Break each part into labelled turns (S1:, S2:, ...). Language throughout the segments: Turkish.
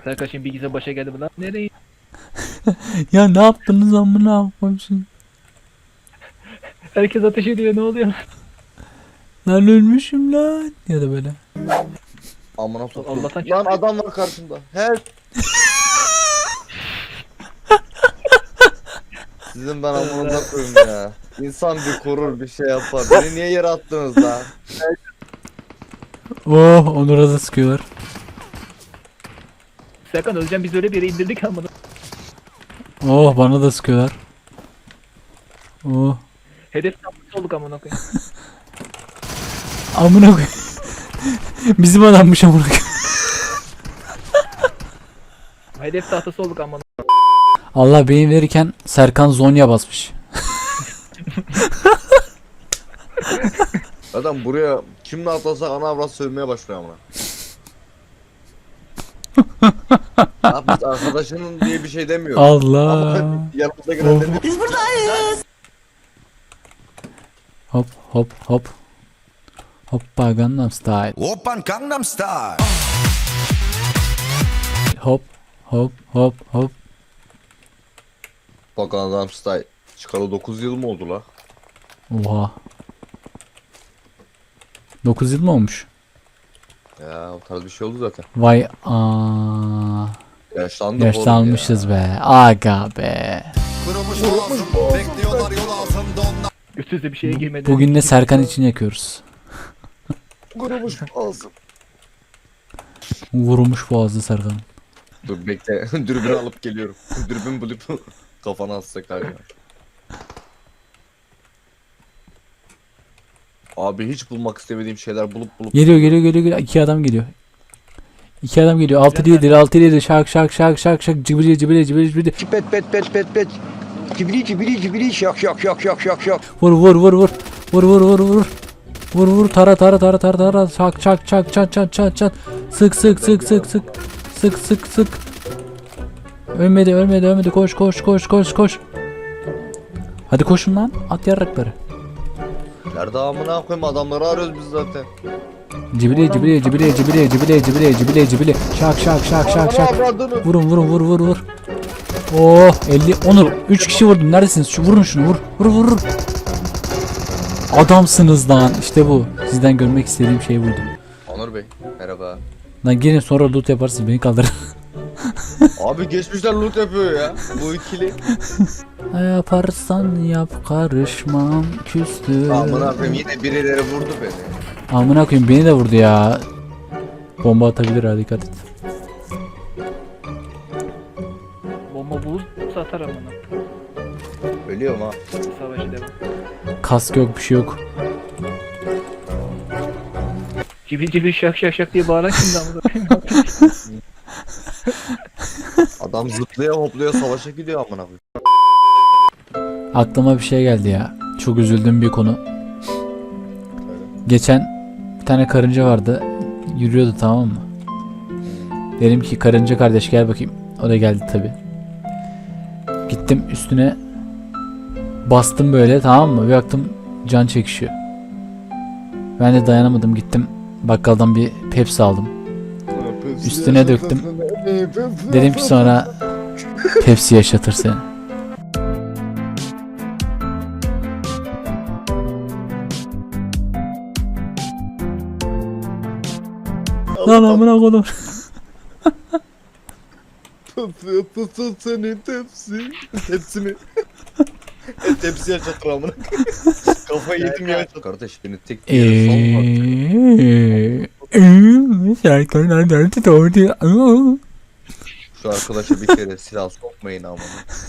S1: Serkan şimdi bilgisayar başa geldi mi lan? Nereye?
S2: Ya ne yaptınız amına koyayım?
S1: Herkes ateş ediyor, ne oluyor?
S2: Lan ölmüşüm lan. Ya da böyle.
S3: Amına soktum.
S1: Allah'tan
S3: Lan adam var karşımda. Help. Sizin ben amına koyayım ya. İnsan bir korur bir şey yapar. Beni niye yere attınız lan?
S2: Oh, Onur'a da sıkıyorlar.
S1: Serkan Özcan biz öyle bir yere indirdik ama.
S2: Oh, bana da sıkıyorlar. Oh.
S1: Hedef tahtası olduk amına koyayım.
S2: Amına koyayım. Bizim adammış amına koyayım.
S1: Hedef tahtası olduk amına.
S2: Allah beyin verirken Serkan Zonya basmış.
S3: Adam buraya kimle atlasak ana avrat sövmeye başlıyor amına. Abi biz arkadaşının diye bir şey demiyor.
S2: Allah.
S3: Ama yanımıza girenlerin
S4: Biz buradayız.
S2: Hop hop hop. Hoppa Gangnam Style.
S4: Oppan Gangnam Style.
S2: Hop hop hop hop.
S3: bak adam style. Çıkalı 9 yıl mı oldu la?
S2: Oha. 9 yıl mı olmuş?
S3: Ya o tarz bir şey oldu zaten.
S2: Vay aa.
S3: Yaşlandık oğlum
S2: Yaşlanmışız
S3: ya.
S2: be. Aga be.
S4: Kırılmış boğazım. Bekliyorlar yol altında onlar.
S1: Üst bir şeye girmedi.
S2: Bugün de Serkan için yakıyoruz.
S3: Kurumuş ağzım.
S2: Vurmuş boğazı Serkan.
S3: Dur bekle. Dürbünü alıp geliyorum. Dürbün bulup kafana atsak abi. Abi hiç bulmak istemediğim şeyler bulup
S2: Geliyor geliyor geliyor geliyor. İki adam geliyor. İki adam geliyor. 6 değildir 6 değildir. Şak şak şak şak şak. Cibili cibili cibili cibili.
S5: Pet pet pet pet pet. Cibili cibili cibili şak şak şak şak şak şak.
S2: Vur vur vur vur. Vur vur vur vur. Vur vur tara tara tara tara tara. Çak çak çak çat çat çat çat. Sık sık sık sık sık. Sık sık sık. Ölmedi ölmedi ölmedi. Koş koş koş koş koş. Hadi koşun lan. At yarrakları.
S3: Nerede amına koyayım adamları arıyoruz biz zaten.
S2: Cibili cibili cibili cibili cibili cibili cibili cibili. Şak şak şak şak şak.
S3: Avradını.
S2: Vurun vurun vur vur vur. Oh 50 Onur 3 kişi vurdun neredesiniz? Şu vurun şunu vur. Vur vur vur. Adamsınız lan. İşte bu. Sizden görmek istediğim şey buydu.
S3: Onur Bey merhaba.
S2: Lan gelin sonra loot yaparsınız beni kaldırın.
S3: Abi geçmişler loot yapıyor ya. Bu ikili.
S2: Yaparsan yap karışmam küstü.
S3: Amına koyayım yine birileri vurdu beni.
S2: Amına koyayım beni de vurdu ya. Bomba atabilir ha dikkat et.
S1: Bomba buz satar amına.
S3: Ölüyorum ha.
S1: Savaşı devam.
S2: Kask yok bir şey yok.
S1: Cibil cibil şak şak şak diye bağıran şimdi amına.
S3: Adam zıplaya hoplaya savaşa gidiyor amına koyayım.
S2: Aklıma bir şey geldi ya. Çok üzüldüğüm bir konu. Geçen bir tane karınca vardı. Yürüyordu tamam mı? Dedim ki karınca kardeş gel bakayım. O da geldi tabi. Gittim üstüne bastım böyle tamam mı? Bir baktım can çekişiyor. Ben de dayanamadım gittim bakkaldan bir Pepsi aldım. Üstüne döktüm. Dedim ki sonra Pepsi yaşatır seni. Lan amına koydum.
S3: Tut senin tepsi. Tepsimi. Tepsi yaşatır amına. Kafayı yedim ya. Kardeş beni tek bir yere salma.
S2: Serkan nerede doğdu?
S3: Şu arkadaşa bir kere silah sokmayın amına.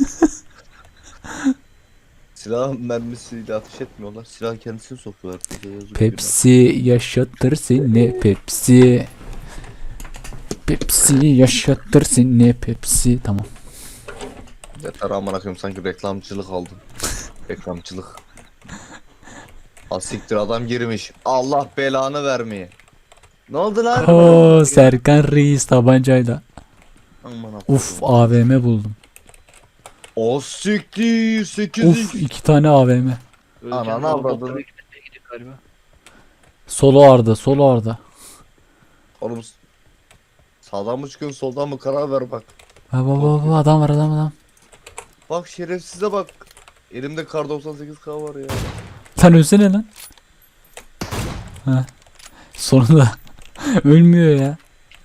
S3: Silah mermisiyle ateş etmiyorlar. Silah kendisini sokuyorlar.
S2: Pepsi yaşatır seni Pepsi. Pepsi yaşatır seni Pepsi. Tamam.
S3: Yeter amına koyayım sanki reklamcılık aldım. Reklamcılık. Asiktir adam girmiş. Allah belanı vermeye. Ne oldu lan?
S2: Oo Serkan Reis tabancayla.
S3: Amına
S2: Uf
S3: koyayım.
S2: AVM buldum.
S3: O siktir 8
S2: Uf 2 tane AVM.
S3: Ananı avradını.
S1: Galiba.
S2: Solo Arda, solo Arda.
S3: Oğlum Sağdan mı çıkıyorsun soldan mı karar ver bak.
S2: Baba adam var adam.
S3: Bak şerefsize bak. Elimde kar 98K var ya.
S2: Sen ölsene lan. Ha. Sonunda ölmüyor ya.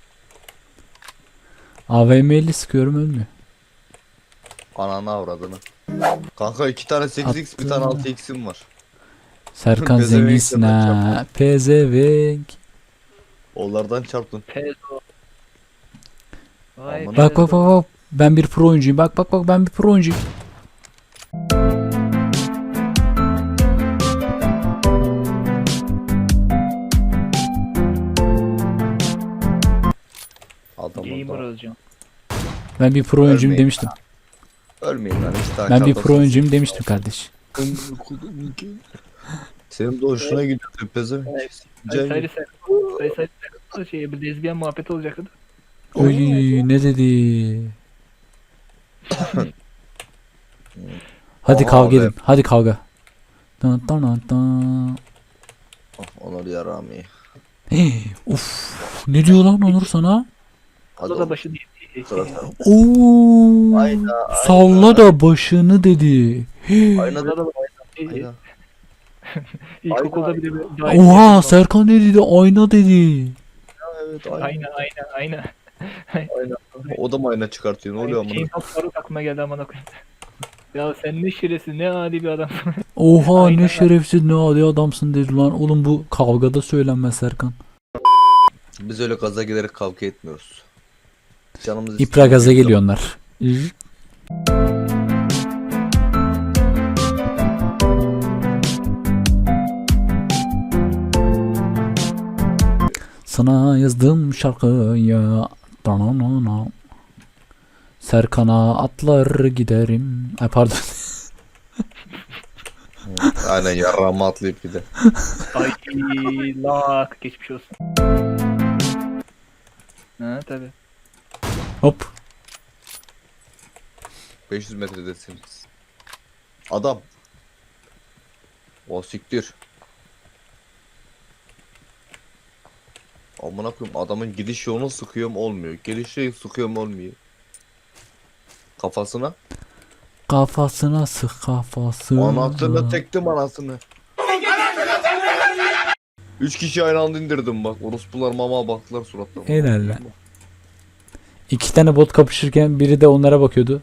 S2: AVM ile sıkıyorum ölmüyor.
S3: Ananı avradını. Kanka 2 tane 8x bir tane 6x'im var.
S2: Serkan
S3: Pezevenk
S2: zenginsin
S3: yapacak.
S2: ha. Pezevenk.
S3: Onlardan çarptım.
S1: Pezo. Vay
S3: Aman.
S2: Bak
S1: pezo.
S2: bak. Ben bir pro oyuncuyum. Bak ben bir pro oyuncuyum.
S1: Gamer
S3: Adamın da.
S1: olacağım.
S2: Ben bir pro oyuncuyum
S3: Ölmeyin.
S2: demiştim.
S3: Ölmeyin lan 2 tane
S2: Ben bir
S3: kar
S2: pro oyuncuyum demiştim kardeş.
S3: 98. Senin de hoşuna gidiyor pezevenk.
S1: Sayı sayı bir lezbiyen muhabbeti olacaktı.
S2: Oy ne dedi? Hadi
S3: Aha,
S2: kavga
S3: be.
S2: edin. Hadi kavga. Tan tan tan tan.
S3: Onur yarami.
S2: Hey, Uf, ne diyor lan Onur sana?
S3: Hadi
S1: O da
S3: oğlum,
S1: başı değil.
S3: sıra sen.
S2: Oo.
S3: Ayna,
S2: Salla da başını dedi. Hey.
S3: Ayna
S1: Orada
S3: da
S1: da
S3: ayna.
S1: İlkokulda bile bir
S2: Oha Serkan ne dedi? Ayna dedi.
S3: Evet ayna.
S1: Aynen.
S3: Ayna. O da mı ayna çıkartıyor? Ne oluyor amına?
S1: Şeyin Faruk aklıma geldi amına koyayım. Ya sen ne şiresin ne adi bir adamsın.
S2: Oha
S1: Ayna.
S2: ne şerefsiz ne adi adamsın dedi lan. Oğlum bu kavgada söylenmez Serkan.
S3: Biz öyle gaza gelerek kavga etmiyoruz. Canımız
S2: İpra gaza geliyor onlar. Sana yazdım şarkıya. Dananana. Serkan'a atlar giderim. Ay pardon.
S3: Aynen yarrağıma atlayıp bir de.
S1: Ay lak geçmiş olsun. Ha tabi.
S2: Hop.
S3: 500 metredesiniz. Adam. O siktir. Amına koyayım adamın gidiş yolunu sıkıyorum olmuyor. Gelişi sıkıyorum olmuyor. Kafasına.
S2: Kafasına sık kafasına.
S3: Anasını tektim anasını. 3 kişi aynı anda indirdim bak. Orospular mama baktılar suratlarına.
S2: Helal lan. 2 tane bot kapışırken biri de onlara bakıyordu.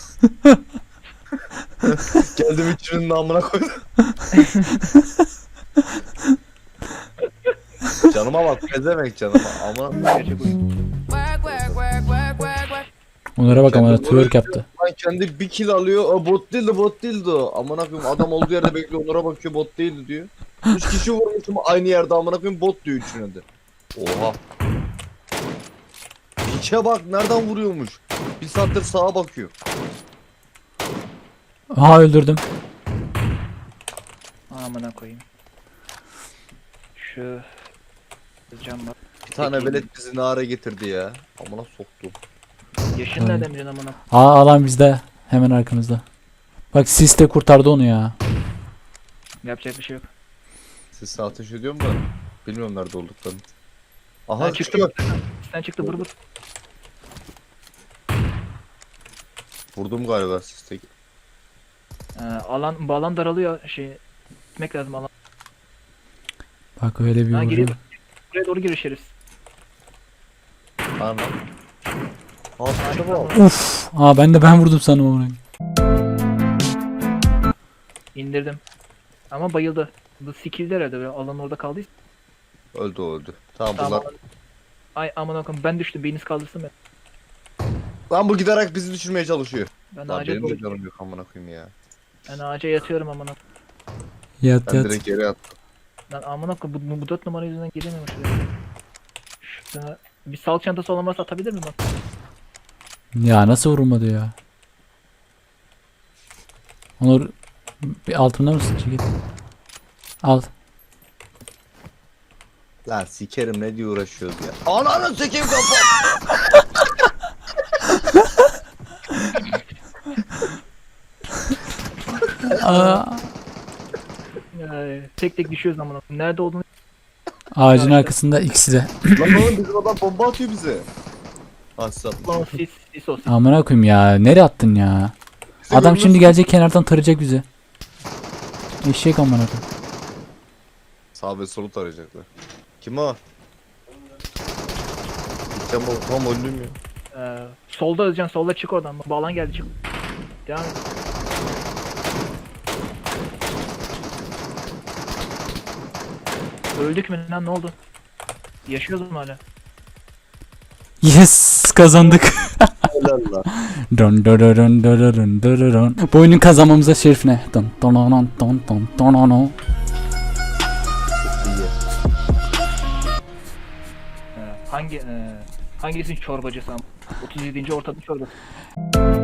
S3: Geldim üçünün namına koydum. Canıma bak pezevenk canıma ama
S1: Gerçek oyun.
S2: Onlara bak ama
S3: Kendi
S2: twerk yaptı.
S3: lan kendi bir kill alıyor. O bot değildi o. Amına koyayım adam olduğu yerde bekliyor onlara bakıyor bot değildi diyor. 3 kişi vurmuşum aynı yerde amına koyayım bot diyor üçüne de. Oha. Piçe bak nereden vuruyormuş. Bir saattir sağa bakıyor.
S2: Aha öldürdüm.
S1: Amına koyayım. Şu cam bak.
S3: Bir tane
S1: Peki.
S3: velet bizi nara getirdi ya. Amına soktum.
S1: Yaşın nereden biliyorsun amına?
S2: Aa alan bizde. Hemen arkamızda. Bak sis de kurtardı onu ya.
S1: Yapacak bir şey yok.
S3: Siz ateş ediyorum da bilmiyorum nerede olduklarını. Aha
S1: Ha, çıktı
S3: çıkıyor.
S1: Sen çıktı vur vur.
S3: Vurdum galiba sisteki.
S1: Alan daralıyor şey. Gitmek lazım alan.
S2: Bak öyle bir
S1: Ha
S2: vuruyor.
S1: giriyor. Buraya doğru girişiriz.
S3: Ana. Aa bak.
S2: Uf. Aa ben vurdum sandım onu.
S1: İndirdim. Ama bayıldı. Bu skill'de herhalde böyle alan orada kaldıysa.
S3: Öldü o öldü. Tamam
S1: Tamam.
S3: bunlar.
S1: Ay aman akım ben düştüm biriniz kaldırsın beni.
S3: Lan bu giderek bizi düşürmeye çalışıyor.
S1: Ben
S3: Lan
S1: ağaca
S3: benim de
S1: doğru.
S3: canım yok amına koyayım ya.
S1: Ben ağaca yatıyorum aman akım.
S2: Yat
S3: Ben
S2: yat.
S3: direkt geri attım.
S1: Lan aman akım bu 4 numara yüzünden giremiyorum şuraya. Şurada bir sağlık çantası olan varsa atabilir miyim bak?
S2: Ya nasıl vurulmadı ya? Onur bir altında mısın? Çekil. Al.
S3: Lan sikerim ne diye uğraşıyoruz ya. Ananı sikeyim kafa.
S2: Aa,
S1: Tek tek düşüyoruz aman akım. Nerede olduğunu
S2: ağacın arkasında ikisi de.
S3: Lan oğlum bizim adam bomba atıyor bize. Hasat.
S1: Lan sis o sis.
S2: Amına koyayım ya. Nereye attın ya? Adam şimdi gelecek kenardan tarayacak bizi. Eşek amına koyayım.
S3: Sağ ve solu tarayacaklar. Kim o? Gideceğim o. Tam öldüm ya.
S1: Solda Özcan, solda çık oradan. Bağlan geldi, çık. Devam et. Öldük mü lan, ne oldu? Yaşıyoruz mu hala?
S2: Yes, kazandık.
S3: Helal lan.
S2: Dun dun dun dun dun dun dun dun. Bu oyunu kazanmamıza şerif ne? Dun dun dun dun dun dun dun dun.
S1: Hangi hangisinin çorbacısı ama? 37. ortada çorbası.